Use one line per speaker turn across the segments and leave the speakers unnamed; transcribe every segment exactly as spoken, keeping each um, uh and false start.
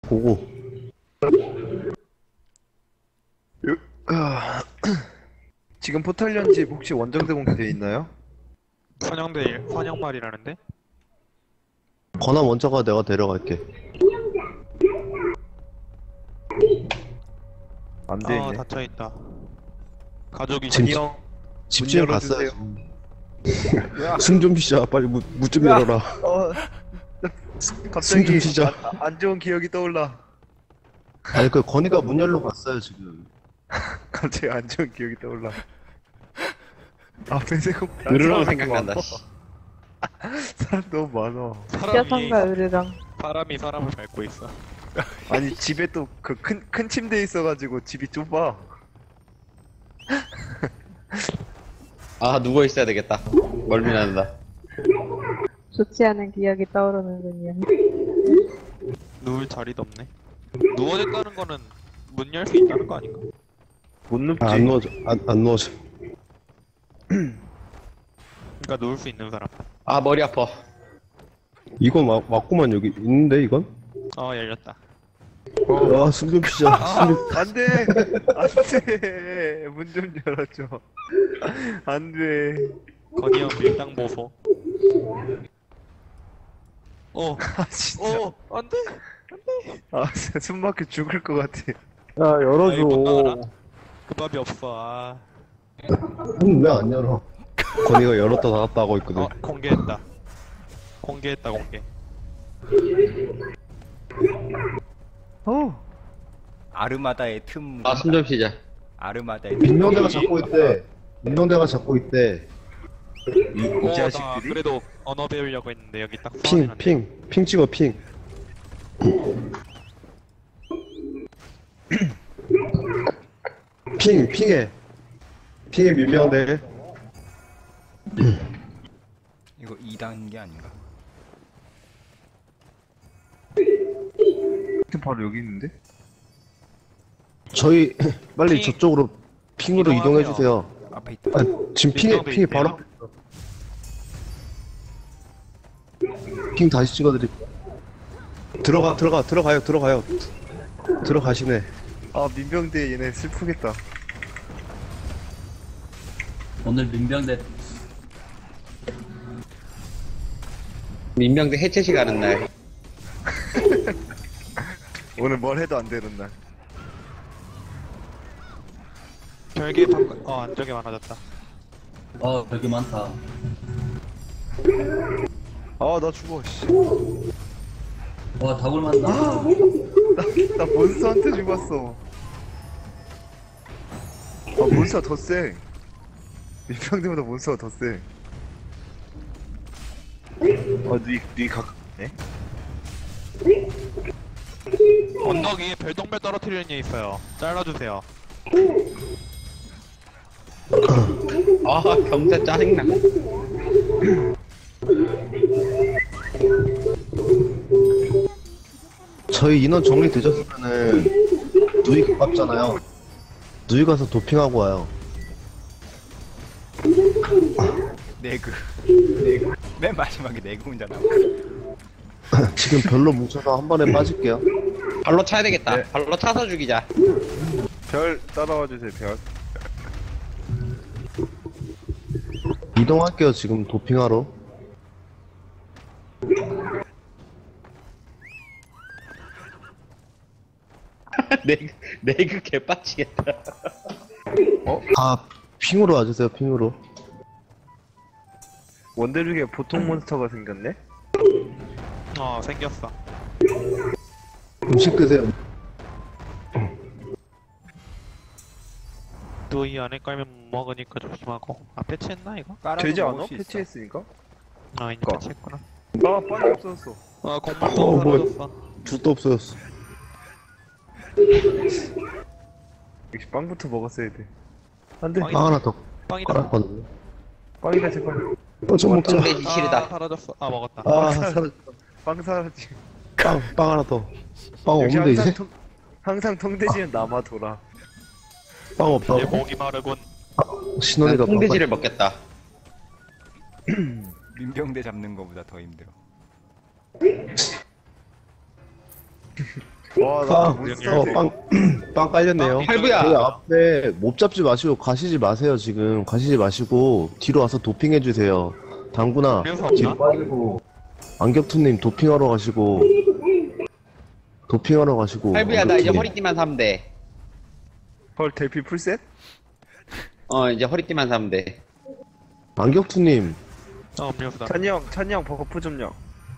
보고.
아, 지금 포탈 연집 혹시 원정대 공개되어 있나요?
선영대 선영말이라는데?
권한 원자가 내가 데려갈게.
안
아
되네.
닫혀있다. 가족이
지금
지금
형,
집주인
문
갔어요.
열어주세요.
숨 좀 쉬자. 빨리 문 좀
야.
열어라.
어,
숨
갑자기
좀 쉬자.
안, 안 좋은 기억이 떠올라.
아니 그 건이가 문 열러 갔어요 지금.
갑자기 안 좋은 기억이 떠올라. 아, 배세공
으르렁 생각난다.
사람 너무 많아.
사람이
뼈상과 으르렁.
사람이 사람을 밟고 있어.
아니 집에 또 그 큰 큰 침대 있어가지고 집이 좁아.
아 누워 있어야 되겠다. 멀미 난다.
좋지 않은 기억이 떠오르는군요.
누울 자리도 없네. 누워있다는 거는 문 열 수 있다는 거 아닌가?
못 눕지.
아, 안 누워져. 안, 안 누워져.
그러니까 누울 수 있는 사람.
아 머리 아파.
이건 와, 왔구만 여기 있는데 이건?
어 열렸다.
아, 숨 좀 쉬자. 숨 좀...
안돼, 안돼. 문 좀 열어줘. 안돼.
건이 형 밀당 보소. 어,
아 진짜.
어, 안돼.
아 진짜 숨 막혀 죽을 것 같아.
야,
아이, 못 나가라.
열어줘.
그 밥이 없어. 아,
왜 안 열어? 건이가 열었다 닫았다 하고 있거든.
어 공개했다. 공개했다 공개.
어.
아르마다의 틈.
아 숨 좀 쉬자.
아르마다의 틈.
민명대가 잡고 있대. 민명대가 잡고 있대.
이, 이
어, 나
자식들이.
그래도 언어 배우려고 했는데 여기 딱
핑,
소환해놨네.
핑, 핑 찍어, 핑. 핑, 핑해. 핑해 민명대.
이거 이 단계 아닌가?
바로 여기 있는데?
저희 빨리
핑.
저쪽으로 핑으로
이동하세요.
이동해 주세요.
앞에 있다.
아, 지금 핑에
민명대
핑이
있네요.
바로 앞에 있어. 핑 다시 찍어드릴게요. 들어가 들어가 들어가요 들어가요. 들어가시네.
아 민병대 얘네 슬프겠다.
오늘 민병대
민병대 해체식 하는 날.
오늘 뭘 해도 안 되는 날.
별개 바꿔. 어 안쪽에 많아졌다.
어 되게 많다.
아 나 죽어. 씨.
와 다굴 만다.
나 몬스터한테 죽었어. 아 몬스터 더 세. 민병대보다 몬스터가 더 세. 아니니 가깝네.
언덕 위에 별똥별 떨어뜨리는 애 있어요. 잘라주세요.
아 경제 짜증나.
저희 인원 정리 되셨으면은 누이 가깝잖아요. 누이 가서 도핑하고 와요.
네그. 네그. 맨 마지막에 네그 혼자 나와.
지금 별로 뭉쳐서 한 번에 빠질게요.
발로 차야 되겠다.
네.
발로 차서 죽이자.
별 따라와 주세요. 별.
이동할게요 지금 도핑하러.
내그 내그 개빡치겠다.
다 핑으로 와주세요 핑으로.
원대 중에 보통 몬스터가 생겼네.
어 생겼어.
음식 드세요.
또 이 안에 깔면 못 먹으니까 조심하고. 아 패치했나 이거?
깔아서
되지
먹을
않아?
수 있어.
패치했으니까?
아 이제
그니까.
패치했구나.
아 빨리 없어졌어.
아
어,
공물도
뭐야.
사라졌어.
줄 도 없어졌어.
역시 빵부터 먹었어야 돼. 안돼.
빵이-
빵 하나 더
빵이다.
깔았거든요.
빵이다 제발.
어, 좀 먹자.
통돼지
아
실이다.
사라졌어. 아 먹었다.
아, 사라...
빵 사라지.
빵, 빵 하나 더. 빵
역시
없는데
항상
이제?
통, 항상 통돼지는 남아 돌아.
빵 없다.
내 목이 마르군.
난
신원이가
통돼지를 먹겠다.
민병대 잡는 거보다 더 힘들어.
와, 나
빵,
못
어,
써.
빵, 빵 깔렸네요.
할부야.
저희 앞에 못 잡지 마시고 가시지 마세요, 지금. 가시지 마시고, 뒤로 와서 도핑해주세요. 당구나,
음료수
뒤로
없나?
빠지고, 안격투님 도핑하러 가시고, 도핑하러 가시고.
할부야 나 이제
안격투님.
허리띠만 사면 돼.
헐, 대피 풀셋?
어 이제 허리띠만 사면 돼.
안격투님,
어, 음료수다.
찬이 형, 찬이 형 버프 좀요.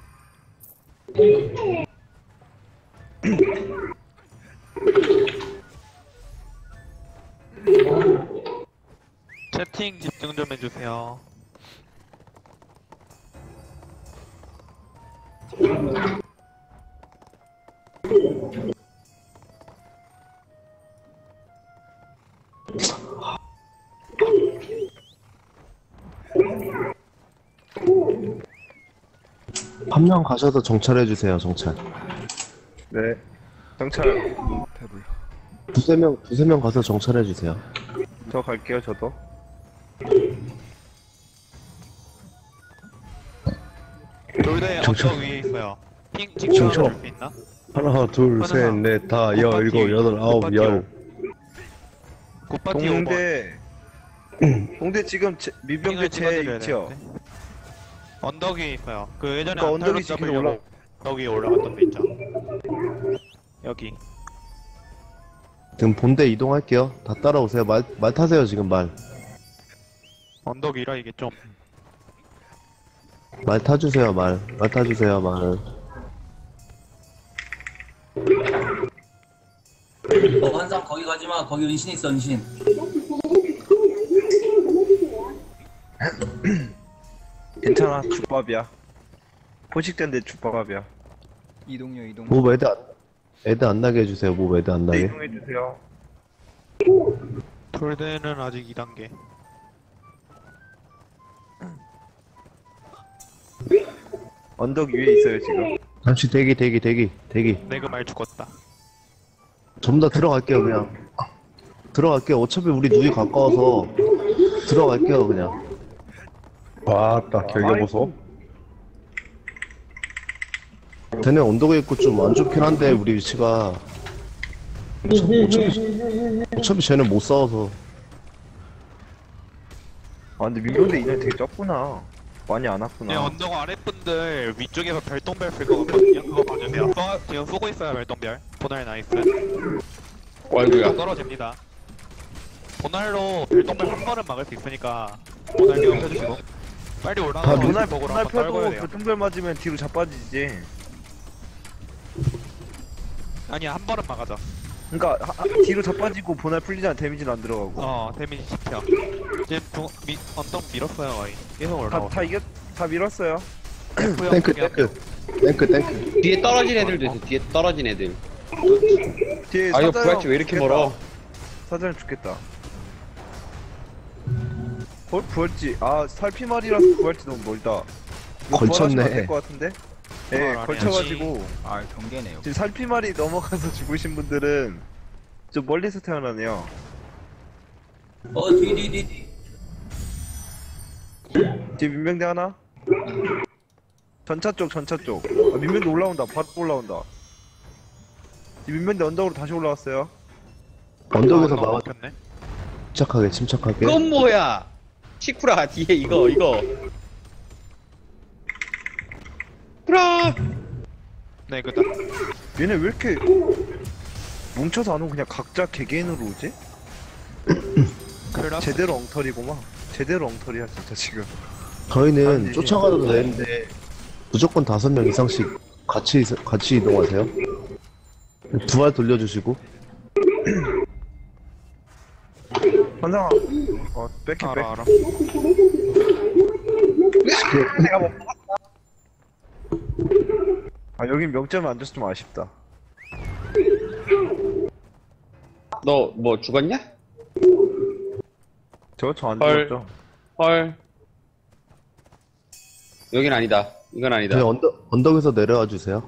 채팅 집중 좀 해주세요.
한 명 가셔서 정찰해주세요, 정찰.
네. 정찰,
배불러.
두세 명, 두세 명 가서 정찰해주세요.
저 갈게요, 저도.
돌대
정찰.
언덕 위에 있어요. 핑 찍혀
정찰.
줄수 있나?
하나, 둘,
셋,
넷, 다,
여, 일곱, 여덟, 아홉, 열. 굿바티 오버.
동대. 동대 지금 제, 민병대
핑을
제
찍어드려야
위치요.
되는데. 언덕 위에 있어요. 그 예전에
그러니까 언덕
안탈로
위치 계속
잡으려고
올라-
언덕 위에 올라갔던 데 있죠. 여기.
지금 본대 이동할게요. 다 따라오세요. 말, 말 타세요, 지금 말.
언덕 위라 이게 좀.
말 타주세요, 말. 말 타주세요, 말.
어, 한상 거기 가지 마. 거기 은신 있어, 은신.
괜찮아, 죽밥이야. 포식된데 죽밥이야.
이동요 이동.
뭐 애드 안, 애드 안 나게 해주세요. 뭐 애드 안
네,
나게.
이동해주세요.
돌대는 아직 이 단계.
언덕 위에 있어요, 지금.
잠시 대기, 대기, 대기, 대기.
내가 말 죽었다.
전부 다 들어갈게요, 그냥. 들어갈게요. 어차피 우리 누이 가까워서 들어갈게요, 그냥.
와따 결계 보소.
걔네 언덕에 있고 좀 안 좋긴 한데 우리 위치가 어차피, 어차피, 어차피 쟤는 못 싸워서.
아, 근데 민병대 인원이 되게 적구나. 많이 안 왔구나.
네, 언덕 아랫분들 위쪽에서 별똥별 쓸 것 같거든요. 그거 봐주세요. 쏘, 지금 쏘고 있어요, 별똥별. 보날 나이스.
어이구야.
떨어집니다. 보날로 별똥별 한 번은 막을 수 있으니까 보날 계속 펴주시고. 빨리
아,
올라가서
보날,
보고
보날
한번 떨궈야
펴도
돼요.
교통별 맞으면 뒤로 자빠지지.
아니야, 한 번은 막아줘.
그니까, 하, 하- 뒤로 자빠지고 보날 풀리잖아. 데미지는 안 들어가고.
어, 데미지 십 표. 지금 중, 미, 언덕 밀었어요, 거의. 계속
다,
올라오고.
다 이겼, 다 밀었어요.
탱크, 탱크. 탱크, 탱크.
뒤에 떨어진 애들도 있어. 뒤에 떨어진 애들.
뒤에
아 이거
사자형
부활치 왜 이렇게
죽겠다.
멀어?
사자형 죽겠다. 헐, 부활지. 아, 살피말이라서 부활지 너무 멀다. 이거
걸쳤네.
부활하시면 안 될 것 같은데? 예,
부활 안
걸쳐가지고.
아 경계네요.
지금 살피말이 넘어가서 죽으신 분들은 좀 멀리서 태어나네요.
어, 뒤, 뒤, 뒤, 뒤.
뒤에 민병대 하나? 전차 쪽, 전차 쪽. 아, 민병대 올라온다. 바로 올라온다. 뒤에 민병대 언덕으로 다시 올라왔어요.
언덕에서
언덕
막아.
막혔네.
침착하게, 침착하게.
그건 뭐야? 시쿠라 뒤에 이거 이거. 쿠라.
네, 그다.
얘네 왜 이렇게 뭉쳐서 안 오고 그냥 각자 개개인으로 오지?
클라스.
제대로 엉터리고만. 제대로 엉터리야 진짜 지금.
저희는
아니지.
쫓아가도 되는데 무조건 다섯 명 이상씩 같이 있- 같이 이동하세요. 부활 돌려주시고.
환상아. 어, 뺏기 뺏.
알아, 알아.
아, 여긴 명점이 안 줘서 좀 아쉽다.
너 뭐 죽었냐?
저 저 안
헐.
죽었죠?
헐. 여긴 아니다. 이건 아니다.
저희 언덕 언덕에서 내려와 주세요.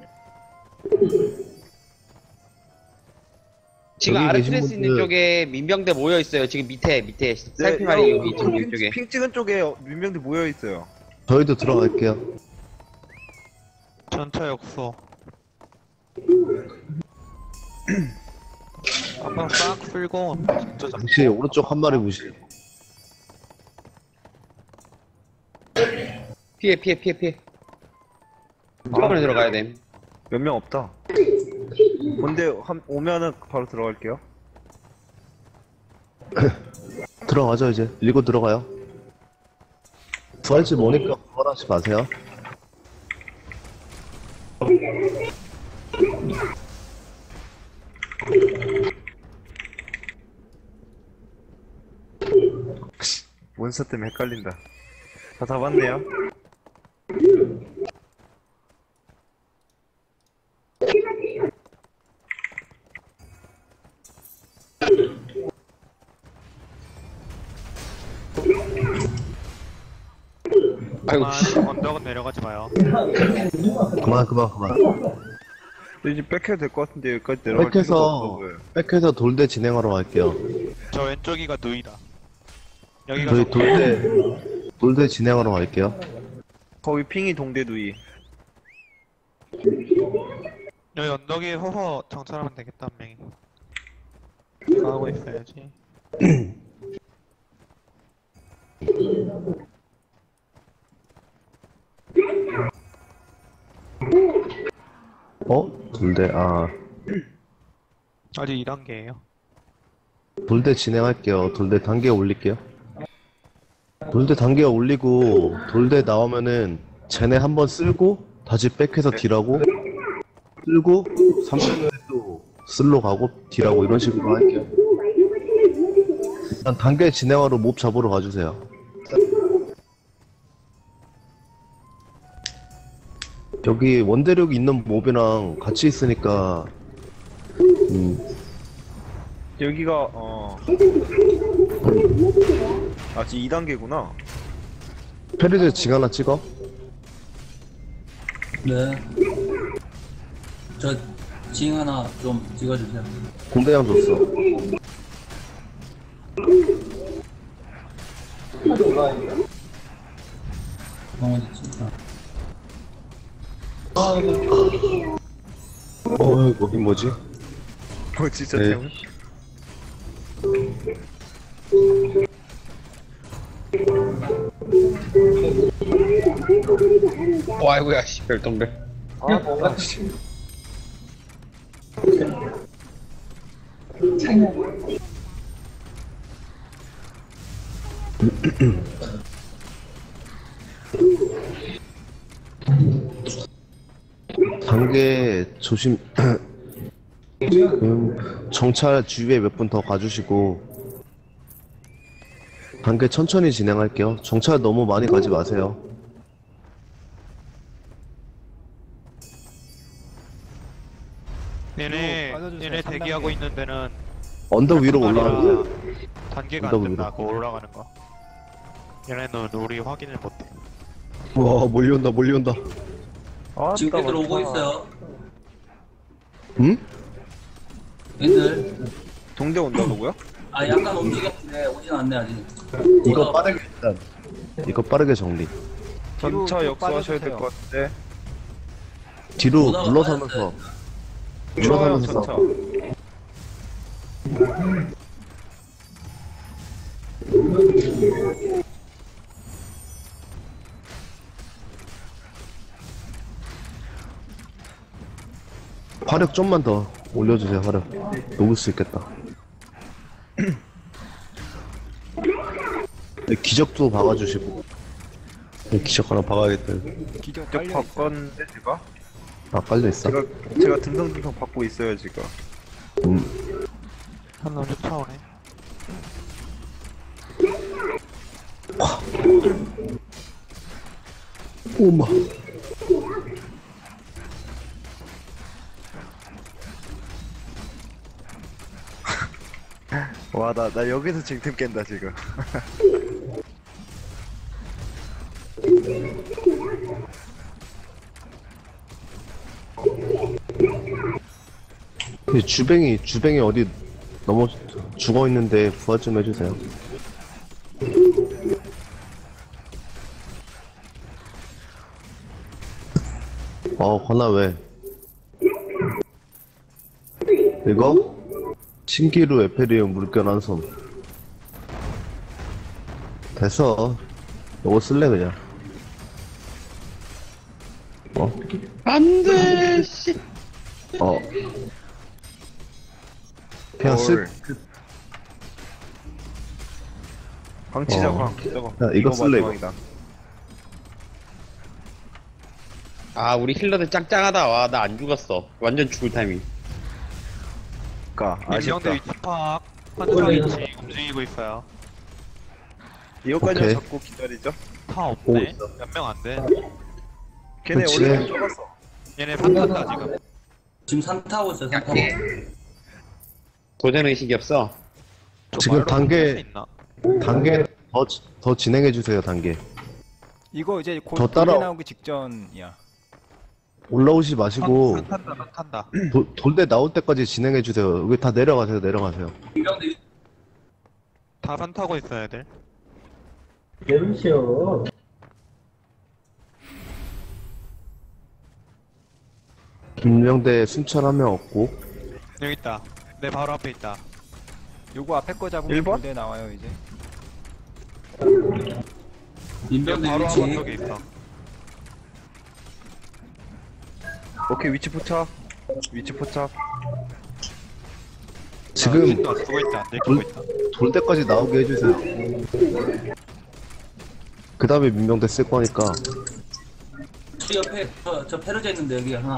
지금
여기 계신
아르트레스 있는
분들-
쪽에 민병대 모여 있어요. 지금 밑에 밑에 살피말이
네,
여기 지금 이쪽에.
핑 찍은 쪽에 민병대 모여 있어요.
저희도 들어갈게요.
전차 역소. 한번 싹 풀고 진짜 잡
당시 오른쪽 한 마리 무시.
피해 피해 피해 피해. 처음으로 들어가야 돼.
몇 명 없다. 근데 한 오면은 바로 들어갈게요.
들어가죠 이제. 밀고 들어가요. 부활지 모니까 부활하지 마세요.
몬스터 때문에 헷갈린다. 다 잡았네요.
아이고.
그만 언덕은 내려가지 마요.
그만 그만 그만.
이제 백해도 될 것 같은데 여기까지 내려갈 필요가
백해서
없어 보여요.
백해서 돌대 진행하러 갈게요.
저 왼쪽이가 누이다. 여기가
저희
정-
돌대 돌대 진행하러 갈게요.
거기 핑이 동대두이.
여기 언덕에 허허 정찰하면 되겠다 한 명이. 가고 있어야지.
어? 돌대 아
아직 이 단계에요.
돌대 진행할게요. 돌대 단계 올릴게요. 돌대 단계 올리고 돌대 나오면은 쟤네 한번 쓸고 다시 백해서 딜하고 쓸고 삼 분에 또 쓸로 가고 딜하고 이런 식으로 할게요. 일단 단계 진행하러 몹 잡으러 가주세요. 여기 원대력 있는 몹이랑 같이 있으니까 음,
여기가 어. 아 지금 이 단계구나.
페리드 징 하나 찍어.
네. 저, 징 하나 좀 찍어주세요.
공대장 줬어.
어, 어딨지?
어, 거긴 뭐지?
뭐 진짜
네.
태훈?
어, 아이고야 씨 별똥별.
아 씨.
단계 조심. 음, 정찰 주위에 몇 분 더 가주시고 단계 천천히 진행할게요. 정찰 너무 많이 가지 마세요.
얘네 얘네 대기하고 있는 데는
언덕 위로 올라가는 거.
단계가
언덕
안
위로.
된다. 그 올라가는 거. 얘네는 우리 확인을 못해.
와 몰려온다 몰려온다.
아,
지금
아까
애들 오고
많다.
있어요.
응?
애들.
동대 온다고요?
아, 약간 움직였는데 오진 않네, 아직.
이거 빠르게 일단 이거 빠르게 정리.
전차
뒤로
역수하셔야 될
빠져주세요.
것 같은데.
뒤로
오다가
물러서면서
좋아요
물러서면서
전차.
화력 좀만 더 올려주세요. 화력 녹을 수 있겠다. 네, 기적도 박아주시고. 네, 기적 하나 박아야겠다.
기적
저
깔려 있어.
바꿨는데 제가?
아 깔려있어.
제가 제가 듬성듬성 받고 있어요 지금.
음,
한 놈 쫓아오네.
오마.
와 나 나 여기서 징틈 깬다 지금.
근데 주뱅이 주뱅이 어디 넘어 죽어 있는데 부활 좀 해주세요. 어 건아 왜? 이거? 신기루 에페리움 물결 한손. 됐어. 이거 쓸래 그냥. 어?
안돼 씨.
어. 그냥 쓸.
헐. 광치자
어.
광. 저거.
야, 이거 쓸래, 이거.
마지막이다.
아 우리 힐러들 짱짱하다. 와 나 안 죽었어. 완전 죽을 타이밍.
까 아쉽다.
민병대 위치 파악. 환자 위치 움직이고 있어요.
이거까지
오케이.
잡고 기다리죠.
다
오,
없네.
있어.
몇 명 안 돼.
걔네
그치.
원래 좁았어.
얘네 판단다 지금.
지금 산 타고 있어요, 산 타고.
도전 의식이 없어.
저
지금
말로
단계-
할수 있나?
단계 더, 더 진행해주세요, 단계.
이거 이제 곧
저 따라-
돌게 나오기 직전이야.
올라오지 마시고,
산 탄다 산 탄다.
도, 돌대 나올 때까지 진행해주세요. 여기 다 내려가세요, 내려가세요.
민병대 위-
다 산 타고 있어야 애들.
김명대 순찰 한 명 없고,
여기 있다. 내 바로 앞에 있다.
요거 앞에 거 잡으면
일 번?
돌대 나와요 이제.
여기
민병대
바로
위치.
앞쪽에 있어.
오케이 위치 포착. 위치 포착.
지금
아, 안 쓰고 있다. 안 들키고 있다.
돌 때까지 나오게 해주세요. 그 다음에 민명대 쓸 거니까.
저 옆에 저, 저 페르제 있는데 여기 하나.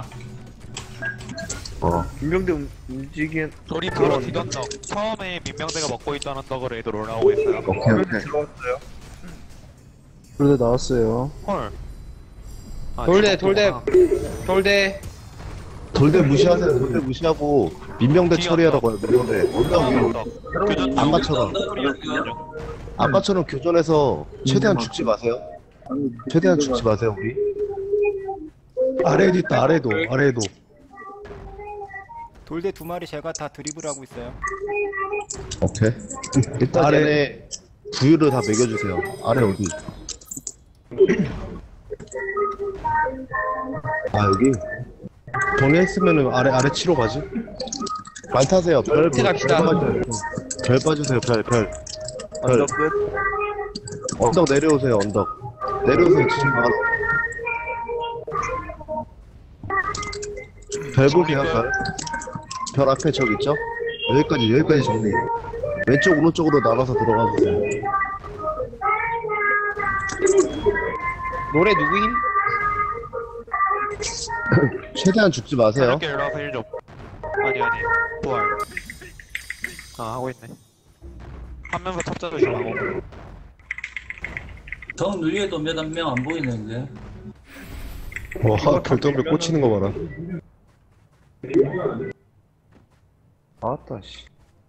어.
김병대 움- 움직인.
우리 바로 뒤던덕. 처음에 민병대가 먹고 있던 언덕으로 애들 올라오고 있어요.
오케이, 오케이.
들어왔어요.
돌대 나왔어요.
헐. 아,
돌대
저거구나.
돌대 돌대.
돌대 무시하세요. 돌대 무시하고, 민명대 처리하라고요, 민명대. 언덕 위로.
언덕. 교전
아까처럼. 아까처럼 교전에서 최대한 죽지 마세요. 최대한 죽지 마세요, 우리. 아래에도 있다, 아래도, 아래도.
돌대 두 마리 제가 다 드리블하고 있어요.
오케이. 일단 아래 부유를 다 매겨주세요. 아래 어디? 아 여기. 정리했으면은 아래 아래 치러 가지. 말 타세요. 별, 별,
갑시다.
별, 빠져요. 별 빠주세요. 별, 별. 별.
언덕 끝.
언덕 내려오세요. 언덕. 내려오세요. 치지 마. 별 보세요. 별. 별 앞에 적 있죠? 여기까지 여기까지 정리. 왼쪽 오른쪽으로 나가서 들어가 주세요.
노래 누구임?
최대한 죽지 마세요.
이렇게 일어나서 일 좀. 아니 아니. 부활. 아 하고 있네. 하면서 탑자 조심하고.
정 누리에도 몇 명 안 보이는데.
와 결정력 꽂히는 거 봐라.
아따 씨.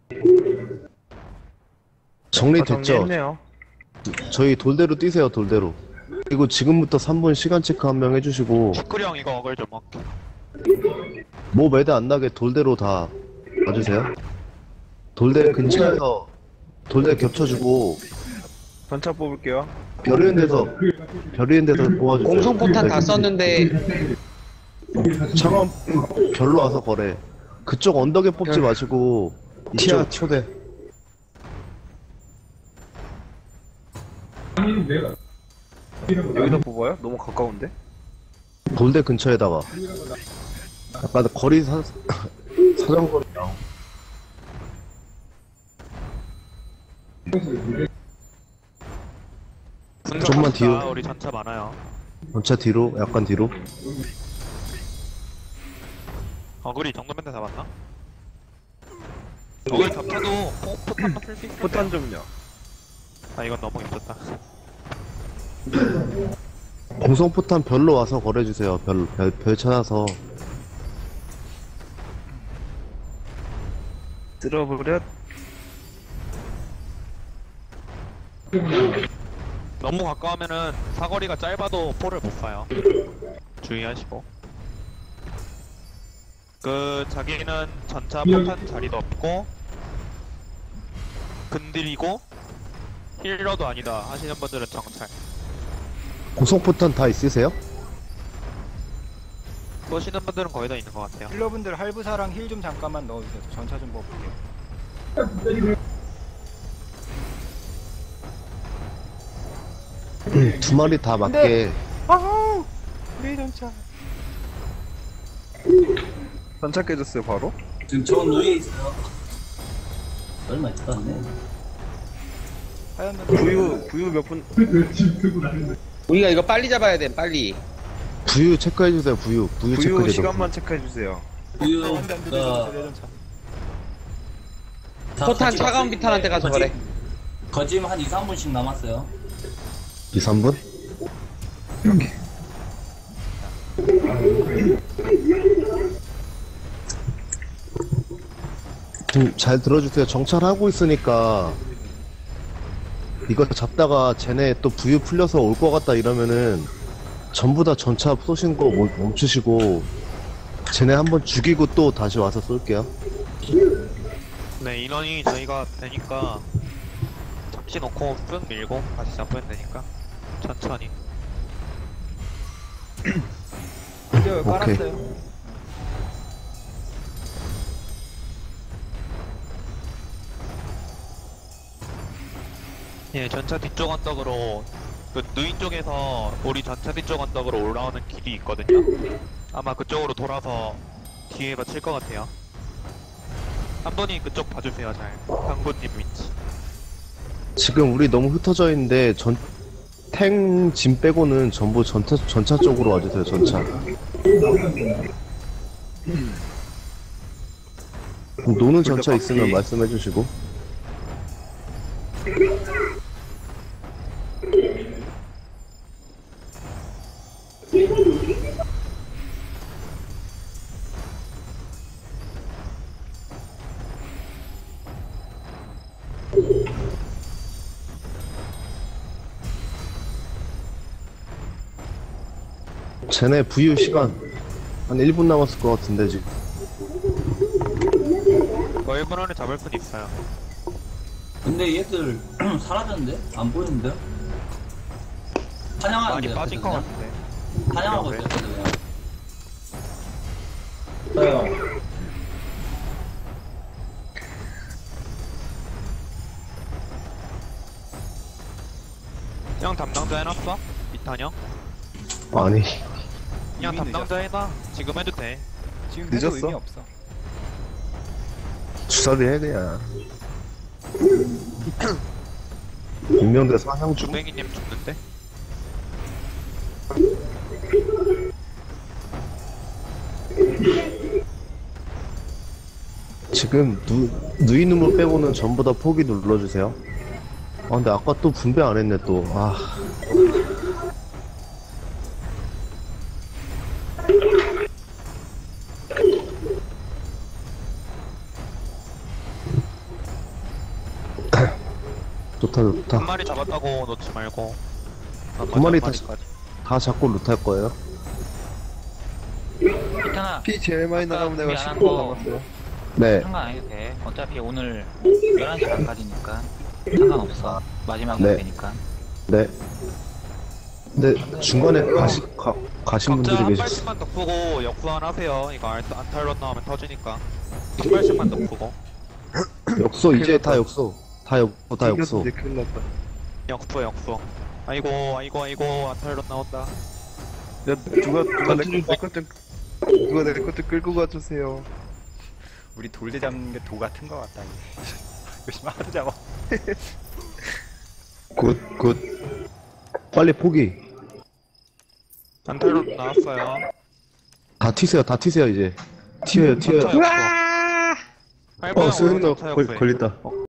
정리됐죠?
정리했네요.
저희 돌대로 뛰세요. 돌대로. 그리고 지금부터 삼 분 시간 체크 한 명 해주시고
시크령 이거 어글 좀 먹게.
뭐 매대 안 나게 돌대로 다 와주세요. 돌대 근처에서 돌대 겹쳐주고
전차 뽑을게요.
별 있는 데서 별 있는 데서 모아주세요.
공성포탄 다 썼는데
창원 별로 와서 거래. 그쪽 언덕에 뽑지 마시고 티아 초대.
여기다 뽑아요? 너무 가까운데?
돌대 근처에다가 약간 거리 사, 사정거리 나오. 좀만 뒤로.
우리 전차 많아요.
전차 뒤로 약간 뒤로.
어글이 이 정도면 다 잡았나? 어글 겹쳐도 포- 포탄만 쓸수 있어.
포탄 좀요.
아 이건 너무 힘들다.
공성포탄 별로 와서 거래주세요. 별, 별, 별 찾아서.
쓸어버려.
너무 가까우면은 사거리가 짧아도 포를 못 쏴요. 주의하시고. 그 자기는 전차 포탄 자리도 없고 근딜이고 힐러도 아니다 하시는 분들은 정찰.
공성포탄 다 있으세요?
쏘시는 분들은 거의 다 있는 것 같아요.
힐러분들 할부사랑 힐 좀 잠깐만 넣어주세요. 저 전차 좀 먹어볼게요.
두 마리 다 맞게
아우! 우리 전차.
전차 깨졌어요 바로.
지금 저 누이에 있어요. 얼마 있지도 않네.
하얀 면
부유 부유 몇 분?
우리가 이거 빨리 잡아야 돼, 빨리.
부유 체크해주세요. 부유 부유
부유
체크해줘.
시간만 체크해 주세요.
우유
안돼 안돼 내 전차 내 전차.
포탄 차가운 비탄한테 가서 그래.
거짐 한 이, 삼 분씩 남았어요.
이, 삼 분? 좀 잘 들어주세요. 정찰하고 있으니까 이거 잡다가 쟤네 또 부유 풀려서 올 것 같다 이러면은 전부 다 전차 쏘신 거 멈- 멈추시고 쟤네 한번 죽이고 또 다시 와서 쏠게요.
네, 인원이 저희가 되니까 잠시 놓고 쓱 밀고 다시 잡으면 되니까 천천히.
이제
오케이.
깔았어요.
예, 전차 뒤쪽 언덕으로 그 누인 쪽에서 우리 전차 뒤쪽 언덕으로 올라오는 길이 있거든요. 아마 그쪽으로 돌아서 뒤에 맞힐 것 같아요. 한 분이 그쪽 봐주세요, 잘. 강군님 위치.
지금 우리 너무 흩어져 있는데 전 탱 짐 빼고는 전부 전차 전차 쪽으로 와주세요. 전차. 노는 전차 있으면 말씀해주시고. 쟤네 부유 시간 한 일 분 남았을 것 같은데 지금.
뭐 일 분 안에 잡을 분 있어요.
근데 얘들 사라졌는데? 안 보이는데요?
많이
사냥하는데요?
빠진 것
그냥?
같은데.
사냥하고
네.
있어요 그냥. 네.
형 담당자 해놨어? 이탄형?
아니
그냥
이미
담당자 해놔. 지금 해도 돼.
지금 해도
늦었어?
의미 없어.
주사리 해 그냥. 임명대 사냥 중.
주뱅이님 죽는데?
지금 누 누이누무 빼고는 전부 다 포기 눌러주세요. 아 근데 아까 또 분배 안 했네 또. 아. 좋다 좋다.
한 마리 잡았다고 놓지 말고.
두 마리
한
다-
마리까지.
다 잡고 루트할 거예요.
있잖아.
피 제일 많이
아까
나가면 내가
준비 안한
십 분
거.
남았어요.
네.
상관 안 해도 돼. 어차피 오늘 열한 시 반까지니까 상관없어. 마지막에
네.
되니까.
네. 근데 중간에 가시 가, 가신
각자
분들이
한
계셨어.
발씩만 더 푸고 역수환 하세요. 이거 안, 안탈론 나오면 터지니까. 한 발씩만 더 푸고.
역소 이제 다 역소. 다 역소 다 역소.
이제 큰일 났다.
역수 역수. 아이고 아이고 아이고 안탈론 나온다.
야 누가 누가 내거좀 누가 내 것 좀 끌고 가주세요.
우리 돌대 잡는 게 도 같은 거 같다. 이게. 열심히 하도 잡아.
굿 굿. 빨리 포기.
안탈론 나왔어요.
다 튀세요. 다 튀세요 이제. 튀어요 튀어요.
전차 역수.
어,
할부형
수현도
전차
걸,
역수해.
걸린다.
어,